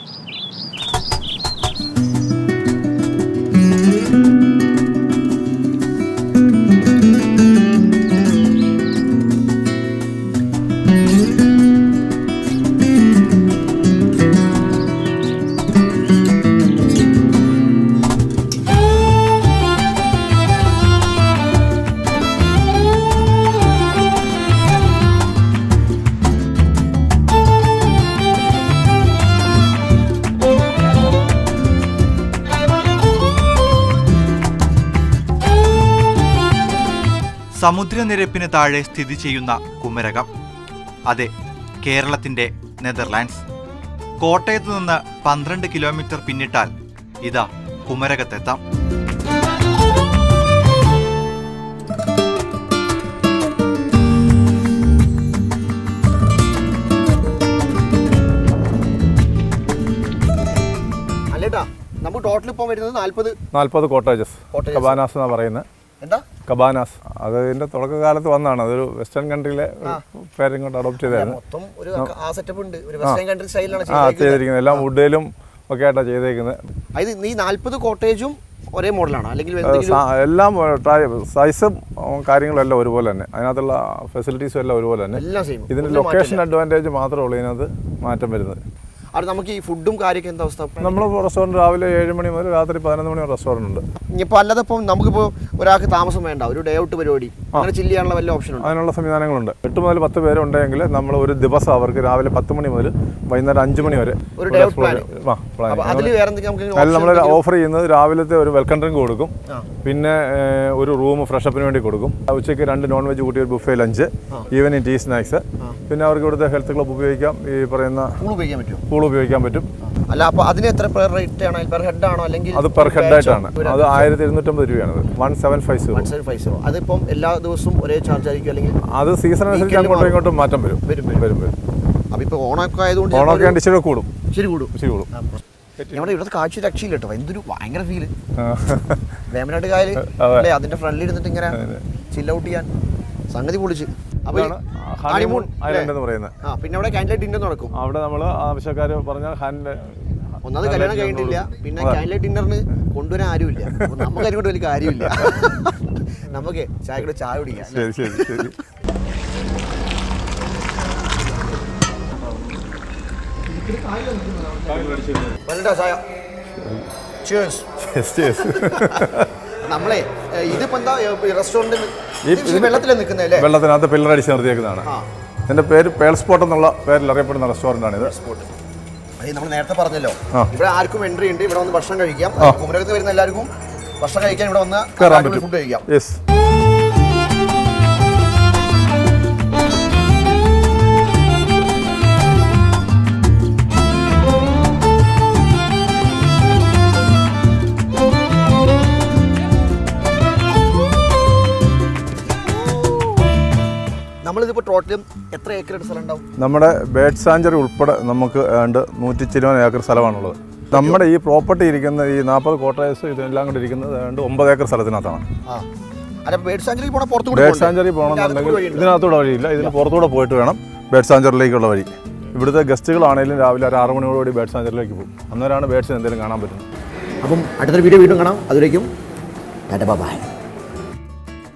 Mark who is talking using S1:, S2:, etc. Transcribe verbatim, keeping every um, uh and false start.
S1: സമുദ്രനിരപ്പിന് താഴെ സ്ഥിതി ചെയ്യുന്ന കുമരകം, അതെ, കേരളത്തിന്റെ നെതർലാൻഡ്സ്. കോട്ടയത്ത് നിന്ന് പന്ത്രണ്ട് കിലോമീറ്റർ പിന്നിട്ടാൽ ഇതാ കുമരകത്തെത്താം.
S2: അല്ലേട്ടാ, നമുക്ക് ടോട്ടൽ ഇപ്പം വരുന്നത് നാൽപ്പത്
S3: നാൽപ്പത് കോട്ടേജസ്, കബാനാസ് എന്നാണ് പറയുന്നത്.
S2: എന്താ
S3: കബാനാസ്? അത് ഇതിന്റെ തുടക്കകാലത്ത് വന്നതാണ്. അതൊരു വെസ്റ്റേൺ കൺട്രിയിലെ പേരും കൊണ്ട് അഡോപ്റ്റ് ചെയ്തായിരുന്നു. ചെയ്തിരിക്കുന്നത് എല്ലാം വുഡിലും ഒക്കെ ആയിട്ടാണ് ചെയ്തേക്കുന്നത്.
S2: ഈ നാൽപ്പത് കോട്ടേജും ഒരേ മോഡലാണ് അല്ലെങ്കിൽ
S3: എല്ലാം സൈസും കാര്യങ്ങളും എല്ലാം ഒരുപോലെ തന്നെ, അതിനകത്തുള്ള ഫെസിലിറ്റീസും എല്ലാം ഒരുപോലെ തന്നെ. ഇതിന്റെ ലൊക്കേഷൻ അഡ്വാൻറ്റേജ് മാത്രമേ ഉള്ളൂ ഇതിനകത്ത് മാറ്റം വരുന്നത്.
S2: അത് നമുക്ക് ഈ ഫുഡും കാര്യമൊക്കെ എന്താ അവസ്ഥ?
S3: നമ്മൾ റെസ്റ്റോറൻറ്റ് രാവിലെ ഏഴ് മണി മുതൽ രാത്രി പതിനൊന്ന് മണി വരെ റെസ്റ്റോറൻറ്റ് ഉണ്ട്.
S2: ഇപ്പോൾ അല്ലാതെ ഇപ്പം നമുക്കിപ്പോൾ ഒരാൾക്ക് താമസം വേണ്ട, ഒരു ഡേ ഔട്ട് പരിപാടി അങ്ങനെ ചില്ല് ചെയ്യാനുള്ള വല്ല ഓപ്ഷൻ ഉണ്ട്?
S3: അതിനുള്ള സംവിധാനങ്ങളുണ്ട്. എട്ട് മുതൽ പത്ത് പേരുണ്ടെങ്കിൽ നമ്മൾ ഒരു ദിവസം അവർക്ക് രാവിലെ പത്ത് മണി മുതൽ വൈകുന്നേരം അഞ്ച് മണി വരെ
S2: ഒരു ഡേ ഔട്ട് പ്ലാൻ.
S3: അതിൽ നമ്മൾ ഓഫർ ചെയ്യുന്നത് രാവിലത്തെ ഒരു വെൽക്കം ഡ്രിങ്ക് കൊടുക്കും, പിന്നെ ഒരു റൂം ഫ്രഷപ്പിന് വേണ്ടി കൊടുക്കും. ഉച്ചയ്ക്ക് രണ്ട് നോൺ വെജ് കൂട്ടി ഒരു buffet lunch, evening tea snacks, പിന്നെ അവർക്ക് ഇവിടുത്തെ ഹെൽത്ത് ക്ലബ് ഉപയോഗിക്കാം, ഈ പറയുന്ന
S2: ഉപയോഗിക്കാൻ പറ്റും
S3: പൂൾ ഉപയോഗിക്കാൻ പറ്റും.
S2: അല്ല, അപ്പോൾ അതിന് എത്ര പെർ റേറ്റ് ആണ്? പെർ ഹെഡ് ആണോ അല്ലെങ്കിൽ
S3: അത് പെർ ഹെഡ് ആയിട്ടാണ്? അത് ആയിരത്തി ഇരുന്നൂറ്റമ്പത് രൂപയാണ്. One seven five zero
S2: five zero അതിപ്പം എല്ലാ ദിവസവും ഒരേ ചാർജ് ആയിരിക്കും അല്ലെങ്കിൽ
S3: അത് സീസൺ അനുസരിച്ച് അങ്ങോട്ടും ഇങ്ങോട്ടും മാറ്റം വരും വരും വരും വരും
S2: അപ്പോൾ ഇപ്പോൾ ഓണമൊക്കെ ആയതുകൊണ്ട്
S3: ഓണമൊക്കെ ആയിട്ട് ഇച്ചിരി കൂടും
S2: ശരി കൂടും
S3: ശരി കൂടും
S2: നമ്മുടെ ഇവിടുത്തെ കാഴ്ച രക്ഷയില്ല കേട്ടോ. എന്തൊരു ഭയങ്കര ഫീല് വേമ്പനാട്ട് കായൽ അല്ലേ, അതിന്റെ ഫ്രണ്ടിൽ ഇരുന്നിട്ട് ഇങ്ങനെ ചില്ല് ഔട്ട് ചെയ്യാൻ സംഗതി പൊളിച്ച്.
S3: ഹണിമൂൺ ഐലൻഡ് എന്ന് പറയുന്നത്.
S2: പിന്നെ അവിടെ ക്യാൻഡിൽ ലൈറ്റ് ഡിന്നർ നടക്കും.
S3: അവിടെ നമ്മൾ ആവശ്യക്കാർ പറഞ്ഞാൽ ഹാൻഡ്
S2: ഒന്നാമത് കല്യാണം കഴിഞ്ഞിട്ടില്ല, പിന്നെ ക്യാൻഡിൽ ലൈറ്റ് ഡിന്നറിന് കൊണ്ടുവരാൻ ആരുമില്ല. നമുക്ക് അതിനെ കൊണ്ട് വലിയ കാര്യമില്ല. നമുക്ക് ചായ കൂടെ ചായ കുടിക്കാം.
S3: ശരി ശരി ശരി
S2: ചായ. നമ്മളെ ഇതിപ്പോ എന്താ റെസ്റ്റോറന്റ് വെള്ളത്തിൽ നിൽക്കുന്നതല്ലേ?
S3: വെള്ളത്തിനകത്ത് പില്ലർ അടിച്ച് നിർത്തിയേക്കുന്നതാണ്. എന്റെ പേര് പേൾ സ്പോട്ട് എന്നുള്ള പേരിൽ അറിയപ്പെടുന്ന റെസ്റ്റോറന്റ് ആണ് ഇത്.
S2: നമ്മൾ നേരത്തെ പറഞ്ഞല്ലോ, ഇവിടെ ആർക്കും എൻട്രി ഉണ്ട്. ഇവിടെ വന്ന് ഭക്ഷണം കഴിക്കാം. കുമരകത്ത് വരുന്ന എല്ലാവർക്കും ഭക്ഷണം കഴിക്കാൻ ഇവിടെ വന്ന് ഫുഡ് കഴിക്കാം. നമ്മളിതിപ്പോൾ ടോട്ടലും എത്ര ഏക്കർ സ്ഥലം ഉണ്ടാവും?
S3: നമ്മുടെ ബേർഡ് സാഞ്ചുറി ഉൾപ്പെടെ നമുക്ക് ഏണ്ട് നൂറ്റി ചിരുവൻ ഏക്കർ സ്ഥലമാണുള്ളത്. നമ്മുടെ ഈ പ്രോപ്പർട്ടി ഇരിക്കുന്ന ഈ നാൽപ്പത് കോട്ടേഴ്സ് ഇതെല്ലാം കൂടി ഇരിക്കുന്നത് ഏണ്ട് ഒമ്പത് ഏക്കർ സ്ഥലത്തിനകത്താണ്.
S2: ബേർഡ് സാഞ്ചുറി പോകണം,
S3: ബേർഡ് സാഞ്ചുറി പോകണമെന്നുണ്ടെങ്കിൽ ഇതിനകത്തൂടെ വഴിയില്ല, ഇതിന് പുറത്തൂടെ പോയിട്ട് വേണം ബേർഡ് സാഞ്ചുറിയിലേക്കുള്ള വഴി. ഇവിടുത്തെ ഗസ്റ്റുകളാണെങ്കിലും രാവിലെ ഒരു ആറ് മണിയോടുകൂടി ബേർഡ് സാഞ്ചുറിയിലേക്ക് പോകും. അന്നേരമാണ് ബേർഡ്സിന് എന്തെങ്കിലും കാണാൻ പറ്റുന്നത്.
S2: അപ്പം അടുത്തൊരു വീഡിയോ വീണ്ടും കാണാം. അതിലേക്കും ബൈ.